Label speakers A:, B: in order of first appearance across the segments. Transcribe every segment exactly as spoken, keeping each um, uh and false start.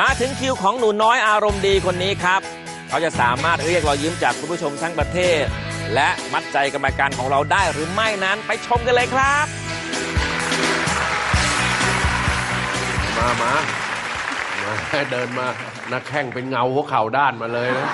A: มาถึงคิวของหนูน้อยอารมณ์ดีคนนี้ครับเขาจะสามารถเรียกรอยยิ้มจากคุณผู้ชมทั้งประเทศและมัดใจกรรมการของเราได้หรือไม่นั้นไปชมกันเลยครับ
B: มามามาเดินมานักแข่งเป็นเงาหัวเข่าด้านมาเลยนะ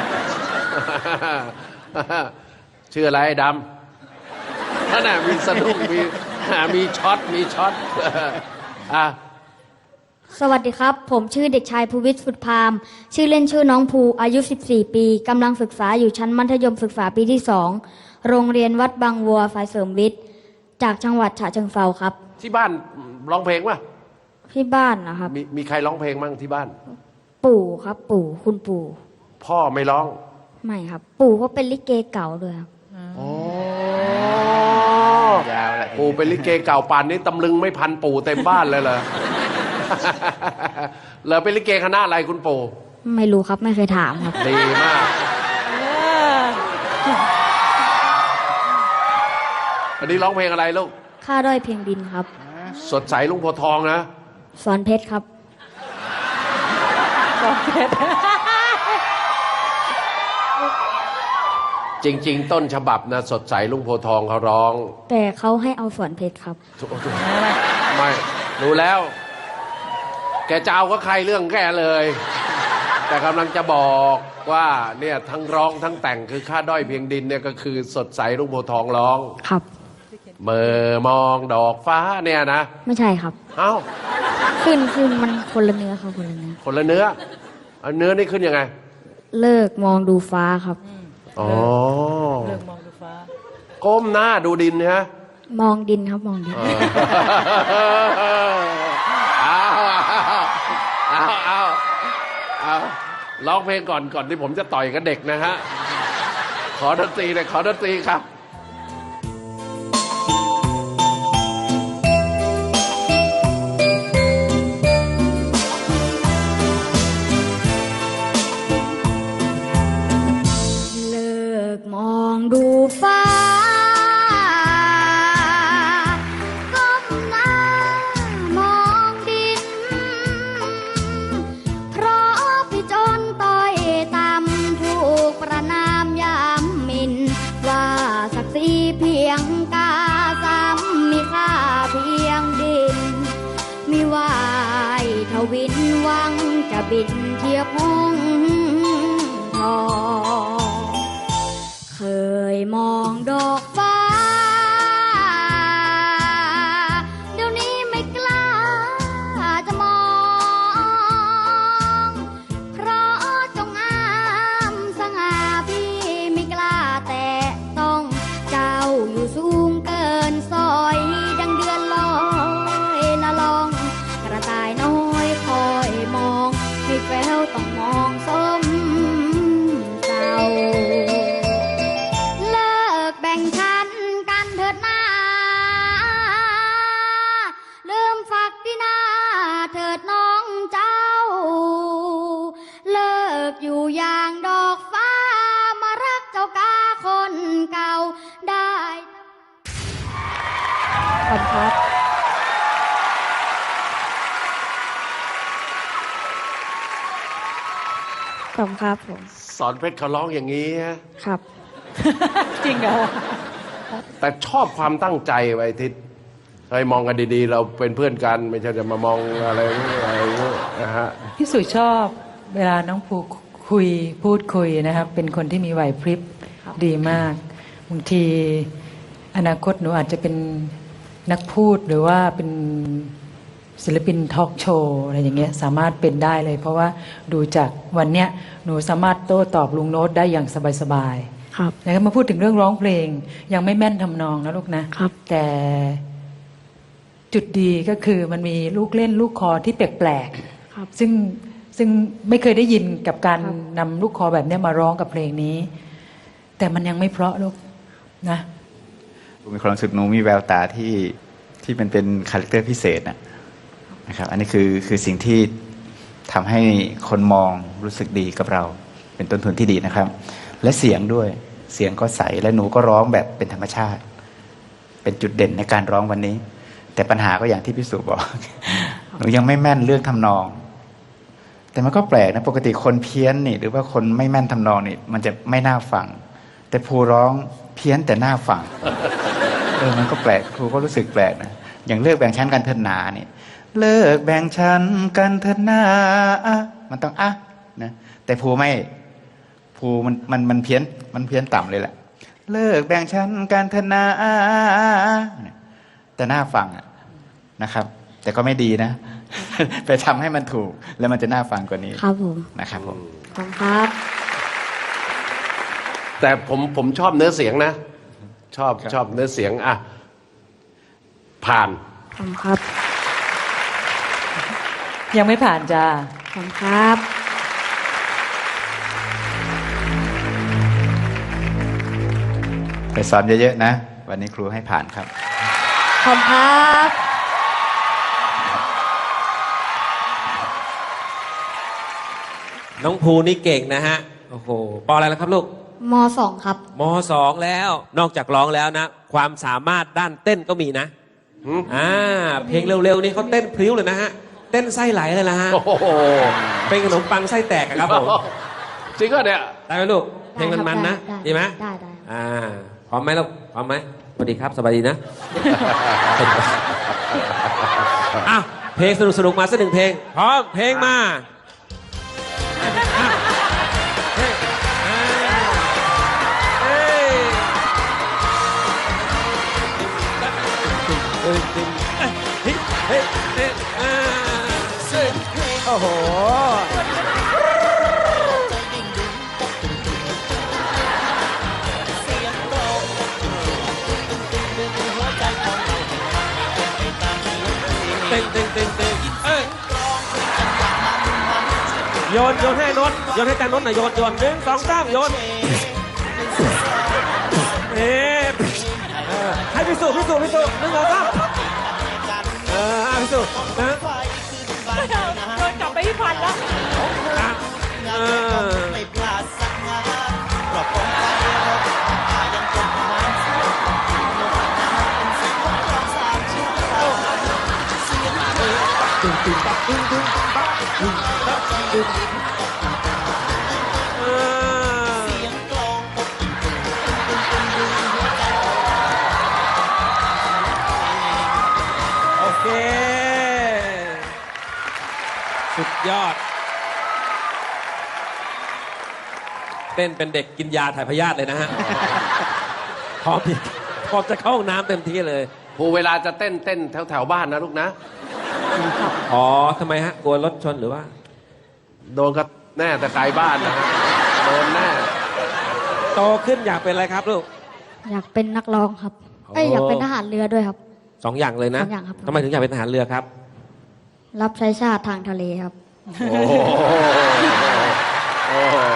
B: ชื่ออะไรดำนั่นน่ะมีสนุกมีมีช็อตมีช็อตอ่ะ
C: สวัสดีครับผมชื่อเด็กชายภูวิทย์สุดพามชื่อเล่นชื่อน้องภูอายุสิบสี่ปีกำลังศึกษาอยู่ชั้นมัธยมศึกษาปีที่สองโรงเรียนวัดบางวัวฝ่ายเสริมวิทย์จากจังหวัดฉะเชิงเทราครับ
B: ที่บ้านร้องเพลงป่ะ
C: ที่บ้านนะครับ
B: มีมีใครร้องเพลงมั่งที่บ้าน
C: ปู่ครับปู่คุณปู่
B: พ่อไม่ร้อง
C: ไม่ครับปู่เขาเป็นลิเกเก่าด้วยครับ
B: อ๋อยาวแหละปู่เป็นลิเกเก่าป่านนี้ตำลึงไม่พันปู่เต็มบ้านเลยเหรอเหรอเป็นลิเกคณะอะไรคุณปู่
C: ไม่รู้ครับไม่เคยถามครับ
B: ดีมากอันนี้ร้องเพลงอะไรลูก
C: ข้าด้อยเพียงดินครับ
B: สดใสลุงโพทองนะ
C: สอนเพชรครับ
D: สอนเพชร
B: จริงๆต้นฉบับนะสดใสลุงโพทองเขาร้อง
C: แต่เขาให้เอาสอนเพชรครับ
B: ไม่รู้แล้วแกจะเอาก็ใครเรื่องแกเลยแต่กำลังจะบอกว่าเนี่ยทั้งร้องทั้งแต่งคือข้าด้อยเพียงดินเนี่ยก็คือสดใสลุงโพทองร้อง
C: ครับ
B: เมื่อมองดอกฟ้าเนี่ยนะ
C: ไม่ใช่ครับ
B: เอ้า
C: ขึ้นขึ้นมันคนละเนื้อครับคนละเนื้อ
B: คนละเนื้ออันเนื้อนี่ขึ้นยังไง
C: เลิกมองดูฟ้าครับ
B: อ๋อ
D: เลิกมองดูฟ้า
B: ก้มหน้าดูดินนะ
C: มองดินครับมองดิน
B: เอาเอาเอาเอาร้องเพลงก่อนก่อนที่ผมจะต่อยกับเด็กนะฮะขอดนตรีเลยขอดนตรีครับ
C: ดูฟ้าก้มหน้ามองดินเพราะพี่จนต้อยต่ำถูกประนามยามหมิ่นว่าศักดิ์ศรีเพียงกาซ้ำมีค่าเพียงดินมีวายทวินหวังจะบินเทียบห้องทองเคยมองดอกฟ้าเดี๋ยวนี้ไม่กล้าจะมองเพราะจงอามสง่าพี่ไม่กล้าแต่ต้องเจ้าอยู่สูงเกินซอยดังเดือนลอยละลองกระต่ายน้อยคอยมองให้แววต้องมองส้มเศร้าแบ่งชั้นกันเถิดนาลืมฝักที่นาเถิดน้องเจ้าเลิกอยู่อย่างดอกฟ้ามารักเจ้ากาคนเก่าได้ขอบคุณครับขอบคุณครับผม
B: สอนเพชรเขาร้องอย่างนี้
C: ครับ
D: จริงเหรอ
B: แต่ชอบความตั้งใจไว้ทิศให้มองกันดีๆเราเป็นเพื่อนกันไม่ใช่จะมามองอะไรอะไรนะฮะ
D: พี่สุชอบเวลาน้องภูคุยพูดคุยนะครับเป็นคนที่มีไหวพริบดีมากบางทีอนาคตหนูอาจจะเป็นนักพูดหรือว่าเป็นศิลปินทอล์กโชว์อะไรอย่างเงี้ยสามารถเป็นได้เลยเพราะว่าดูจากวันเนี้ยหนูสามารถโต้ตอบลุงโน้ตได้อย่างสบายๆแล้วมาพูดถึงเรื่องร้องเพลงยังไม่แม่นทำนองนะลูกนะครับแต่จุดดีก็คือมันมีลูกเล่นลูกคอที่แปลกๆซึ่งซึ่งไม่เคยได้ยินกับการนำลูกคอแบบนี้มาร้องกับเพลงนี้แต่มันยังไม่เพราะลูกนะ
E: มีความรู้สึกหนูมีแววตาที่ที่มันเป็นคาแรคเตอร์พิเศษนะนะครับอันนี้คือคือสิ่งที่ทำให้คนมองรู้สึกดีกับเราเป็นต้นทุนที่ดีนะครับและเสียงด้วยเสียงก็ใสและหนูก็ร้องแบบเป็นธรรมชาติเป็นจุดเด่นในการร้องวันนี้แต่ปัญหาก็อย่างที่พี่สุบอกหนูยังไม่แม่นเรื่องทำนองแต่มันก็แปลกนะปกติคนเพี้ยนนี่หรือว่าคนไม่แม่นทำนองนี่มันจะไม่น่าฟังแต่ภูร้องเพี้ยนแต่น่าฟังเออมันก็แปลกครูก็รู้สึกแปลกนะอย่างเลิกแบ่งชั้นกันเถิดนาเนี่ยเลิกแบ่งชั้นกันเถิดนามันต้องอ่ะนะแต่ภูไม่ภูมันมันมันเพี้ยนมันเพี้ยนต่ำเลยแหละเลิกแบ่งชั้นกันเถิดนาแต่น่าฟังนะครับแต่ก็ไม่ดีนะ ไปทำให้มันถูกแล้วมันจะน่าฟังกว่านี้
C: ครับผม
E: นะครับผม
C: ขอบคุณครับ
B: แต่ผมผมชอบเนื้อเสียงนะ ชอบชอบเนื้อเสียงอ่ะผ่าน
C: ขอบคุณครับ
D: ยังไม่ผ่านจ้า
C: ขอบคุณครับ
E: ไปซ้อมเยอะๆนะวันนี้ครูให้ผ่านครับ
C: ขอบคุณครับ
A: น้องภูนี่เก่งนะฮะ โอ้โหปออะไรแล้วครับลูก
C: มสองครับ
A: มสองแล้ว นอกจากร้องแล้วนะ ความสามารถด้านเต้นก็มีนะ
B: หืม
A: อ่า เพลงเร็วๆนี่เขาเต้นพริ้วเลยนะฮะ เต้นไส้ไหลเลยนะฮะ
B: โอ้โห
A: เป็นขนมปังไส้แตกอะครับผม
B: จริงก็เนี่ย
A: ได้ไหมลูก เพลงมันๆนะ
C: ได้
A: ดีไหม
C: ได้ได้
A: อ่า พร้อมไหมลูก พร้อมไหมสวัสดีครับ สบายดีนะ อ้าว เพลงสนุกๆมาสักหนึ่งเพลง พร้อม เพลงมาโอ้โห เต็งเต็งเต็งเต็งเอ้ยโยนโยนให้นนท์โยนให้จานนนท์หน่อยโยนโยนหนึ่งสองสามโยนเอ๊ะเออให้พิสูจน์พิสูจน์พิสูจน์หนึ่งสองสามเอออ่ะพิสูจน์นะ
F: โดนกลับไปที่พันแล้ว
A: อ่ะเออเออโอเค สุดยอด เต้นเป็นเด็กกินยาถ่ายพยาธิเลยนะฮะ พร้อมพร้อมจะเข้าห้องน้ำเต็มที่เลย
B: ภูเวลาจะเต้นเต้นแถวแถวๆบ้านนะลูกนะ
A: อ๋อทำไมฮะ กลัวรถชนหรือว่า
B: โดนก็แน่แต่ไกลบ้านนะฮะโดนแน่
A: โตขึ้นอยากเป็นอะไรครับลูก
C: อยากเป็นนักร้องครับ เอ้ย
A: โอ้
C: อยากเป็นทหารเรือด้วยครับ
A: สองอย่างเลยนะ
C: สองอย่างครับ
A: ทำไมถึงอยากเป็นทหารเรือครับ
C: รับใช้ชาติทางทะเลครับ
B: โอ้โหโอ้โห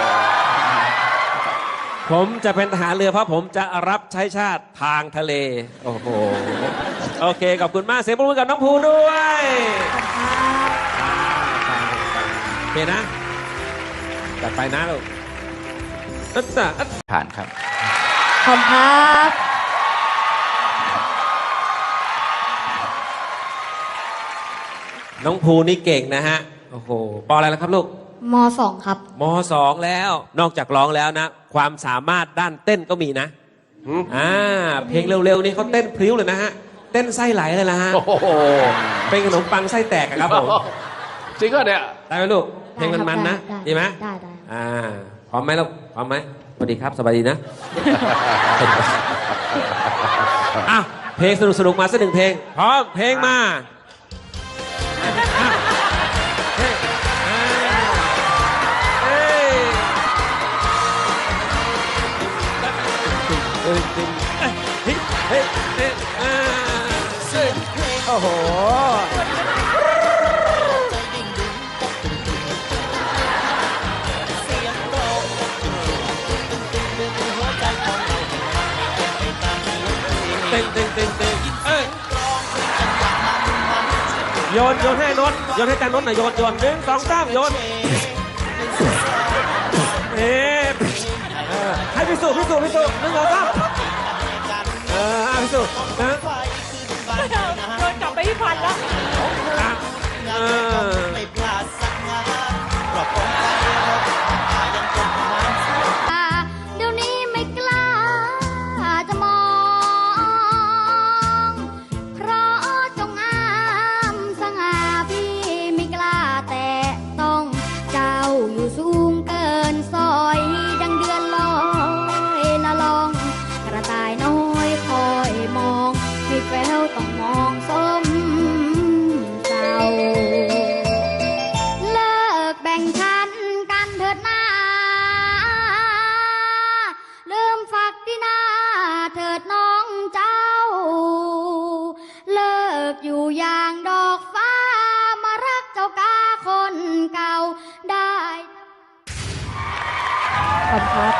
A: ผมจะเป็นทหารเรือเพราะผมจะรับใช้ชาติทางทะเล โอ้โห โอเค ขอบคุณมาก เสียงปรบมือกับน้องภูด้วยโอเคนะ จัดไปนะลูกอัตตาอัต
E: ผ่านครับ
C: ขอบคุณครับ
A: น้องภูนี่เก่งนะฮะ โอ้โหปออะไรแล้วครับลูก
C: มสองครับ
A: มสองแล้ว นอกจากร้องแล้วนะ ความสามารถด้านเต้นก็มีนะ
B: หืม
A: อ่า เพลงเร็วๆนี่เขาเต้นพริ้วเลยนะฮะ เต้นไส้ไหลเลยนะฮะ
B: โอ้โห
A: เป็นขนมปังไส้แตกอะครับผม
B: จริงก็เนี่ย
A: ได้ไหมลูก เพลงมันๆนะ
C: ได้
A: ดีไหม
C: ได้ได้
A: อ่า พร้อมไหมลูก พร้อมไหมสวัสดีครับ สบายดีนะ อ้าว เพลงสนุกๆมาสักหนึ่งเพลง พร้อม เพลงมาอ่ะเฮ้ยอ่าเฮ้ยเฮ้ยเฮ้ยเฮ้ยเฮ้ยอ่าโอ้โห เต็งเต็งเต็งเต็งเอ้ยโยนโยนให้นนท์โยนให้จานนนท์หน่อยโยนโยนหนึ่งสองสามโยนเอ๊ะเออให้พิสูจน์พิสูจน์พิสูจน์หนึ่งสองสามเอออ่ะพิสูจน์นะ
F: โดนกลับไปที่พันแล้ว
A: อ่ะเออ
C: ขอบคุณครับ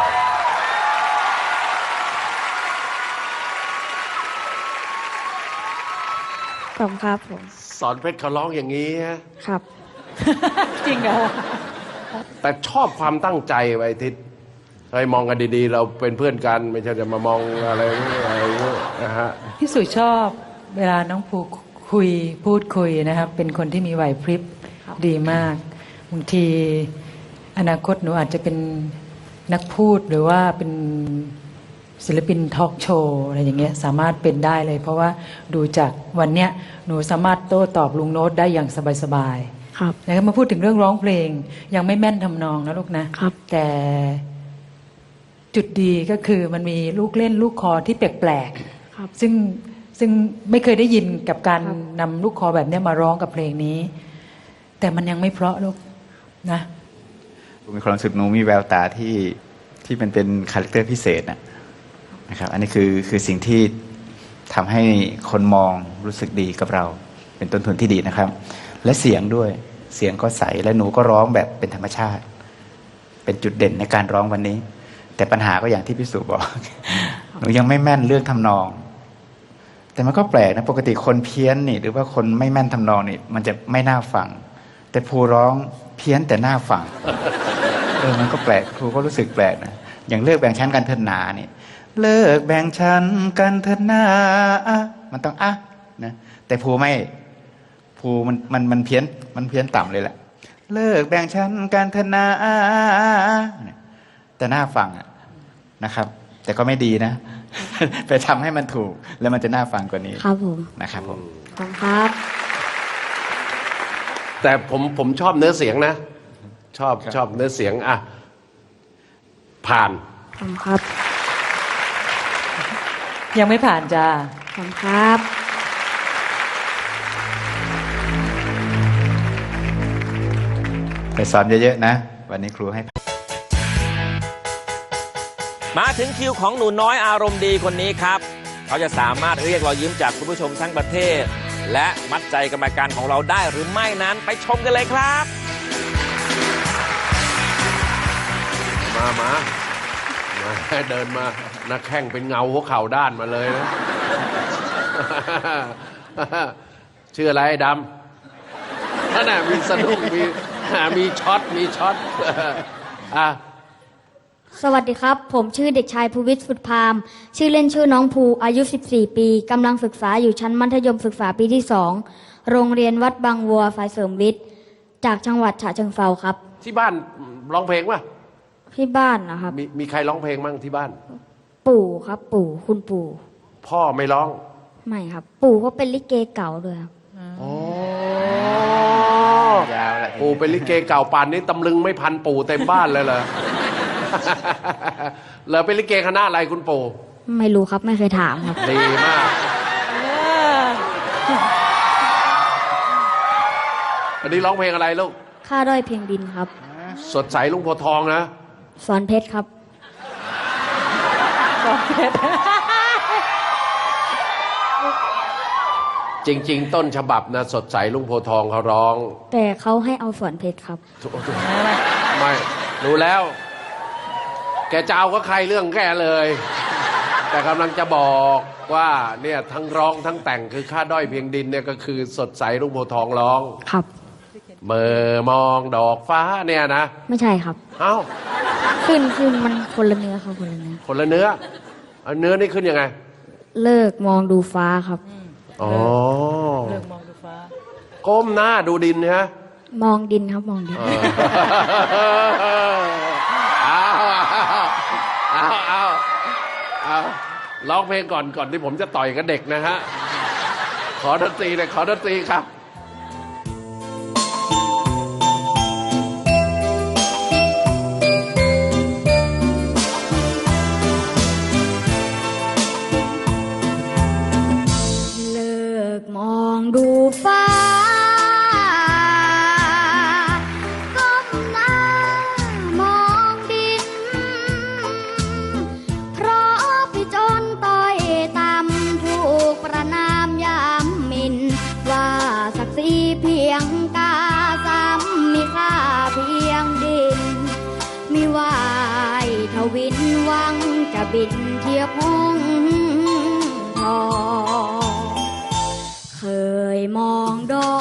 C: ขอบคุณครับผม
B: สอนเพชรเขาร้องอย่างนี้ฮะ
C: ครับ
D: จริงเหรอ
B: แต่ชอบความตั้งใจไว้ทิศเคยมองกันดีๆ เราเป็นเพื่อนกัน ไม่ใช่จะมามองอะไรอะไรนะฮะ
D: พี่สุชอบเวลาน้องภูคุยพูดคุยนะครับ เป็นคนที่มีไหวพริบดีมากบางทีอนาคตหนูอาจจะเป็นนักพูดหรือว่าเป็นศิลปินทอล์กโชว์อะไรอย่างเงี้ยสามารถเป็นได้เลย เพราะว่าดูจากวันเนี้ยหนูสามารถโต้ตอบลุงโน้ตได้อย่างสบายๆ
C: ครับ
D: แล้วก็มาพูดถึงเรื่องร้องเพลง ยังไม่แม่นทำนองนะลูกนะครับ แต่จุดดีก็คือมันมีลูกเล่นลูกคอที่แปลก
C: ครับ
D: ๆซึ่งซึ่งไม่เคยได้ยินกับการ
C: ครับ
D: นำลูกคอแบบเนี้ยมาร้องกับเพลงนี้ แต่มันยังไม่เพราะลูกนะ
E: มีความรู้สึกหนูมีแววตาที่ที่มันเป็นคาแรคเตอร์พิเศษนะนะครับ อันนี้คือคือสิ่งที่ทำให้คนมองรู้สึกดีกับเรา เป็นต้นทุนที่ดีนะครับ และเสียงด้วยเสียงก็ใสและหนูก็ร้องแบบเป็นธรรมชาติ เป็นจุดเด่นในการร้องวันนี้ แต่ปัญหาก็อย่างที่พี่สุบอก หนูยังไม่แม่นเรื่องทำนอง แต่มันก็แปลกนะปกติคนเพี้ยนนี่หรือว่าคนไม่แม่นทำนองนี่มันจะไม่น่าฟัง แต่ภูร้องเพี้ยนแต่น่าฟัง เออมันก็แปลกครูก็รู้สึกแปลกนะอย่างเลิกแบ่งชั้นกันเถิดหนานี่เลิกแบ่งชั้นกันเถิดหนามันต้องอ่ะนะแต่ภูไม่ภูมันมันมันเพี้ยนมันเพี้ยนต่ำเลยแหละเลิกแบ่งชั้นกันเถิดหนาแต่น่าฟังอะนะครับ แต่ก็ไม่ดีนะ ไปทำให้มันถูกแล้วมันจะน่าฟังกว่านี้
C: ครับผม
E: นะครับผม
C: ขอบคุณครับ
B: แต่ผมผมชอบเนื้อเสียงนะ ชอบชอบเนื้อเสียงอ่ะผ่าน
C: ขอบคุณครับ
D: ยังไม่ผ่านจ้า
C: ขอบคุณครับ
E: ไปซ้อมเยอะๆนะวันนี้ครูให้
A: มาถึงคิวของหนูน้อยอารมณ์ดีคนนี้ครับ เขาจะสามารถเรียกรอยยิ้มจากคุณผู้ชมทั้งประเทศ และมัดใจกรรมการของเราได้หรือไม่นั้นไปชมกันเลยครับ
B: มามามาเดินมานักแข่งเป็นเงาหัวเข่าด้านมาเลยนะ ชื่ออะไรดำนั่นน่ะมีสนุกมีมีช็อตมีช็อต อ่ะ
C: สวัสดีครับ ผมชื่อเด็กชายภูวิทย์สุดพาม ชื่อเล่นชื่อน้องภู อายุ สิบสี่ ปีกำลังศึกษาอยู่ชั้นมัธยมศึกษาปีที่สองโรงเรียนวัดบางวัวฝ่ายเสริมวิทย์ จากจังหวัดฉะเชิงเทราครับ
B: ที่บ้านร้องเพลงป่ะ
C: ที่บ้านนะครับ
B: มีมีใครร้องเพลงมั่งที่บ้าน
C: ปู่ครับ ปู่คุณปู่
B: พ่อไม่ร้อง
C: ไม่ครับ ปู่เขาเป็นลิเกเก่าด้วยครับ
B: อ๋อย
E: าวละ
B: ปู่เป็นลิเกเก่าป่านนี้ตำลึงไม่พันปู่เต็มบ้านเลยเหรอ เหรอเป็นลิเกคณะอะไรคุณปู่
C: ไม่รู้ครับไม่เคยถามครับ
B: ดีมาก อันนี้ร้องเพลงอะไรลูก
C: ค่าด้อยเพียงดินครับ
B: สดใสลุงโพธิ์ทองนะ
C: สอนเพชรครับ
B: จริง ๆ ต้นฉบับนะสดใสลุงโพธิ์ทองเขาร้อง
C: แต่เขาให้เอาสอนเพชรครับ
B: ไม่รู้แล้ว แกจะเอาก็ใครเรื่องแกเลย แต่กำลังจะบอกว่าเนี่ยทั้งร้องทั้งแต่งคือค่าด้อยเพียงดินเนี่ยก็คือสดใสลุงโพธิ์ทองร้อง
C: ครับ
B: เมื่อมองดอกฟ้าเนี่ยนะ
C: ไม่ใช่ครับ
B: เอ้า
C: ขึ้นขึ้นมันคนละเนื้อครับคนละเนื้อ
B: คนละเนื้อเอาเนื้อนี่ขึ้นยังไง
C: เลิกมองดูฟ้าครับ
B: อ๋อ
D: เลิกมองดูฟ้า
B: ก้มหน้าดูดินนะ
C: มองดินครับมองดิน
B: เอาเอาเอาเอาร้องเพลงก่อนก่อนที่ผมจะต่อยกับเด็กนะฮะ ขอดนตรีเลยขอดนตรีครับ
C: เลิกมองดูฟ้าก้มหน้ามองดิน เพราะพี่จนต้อยต่ำถูกประนามยามหมิน ว่าศักดิ์ศรีเพียงกาซ้ำมีค่าเพียงดิน มีไหววินหวังจะบินเทียบห้องทองเคยมองดอก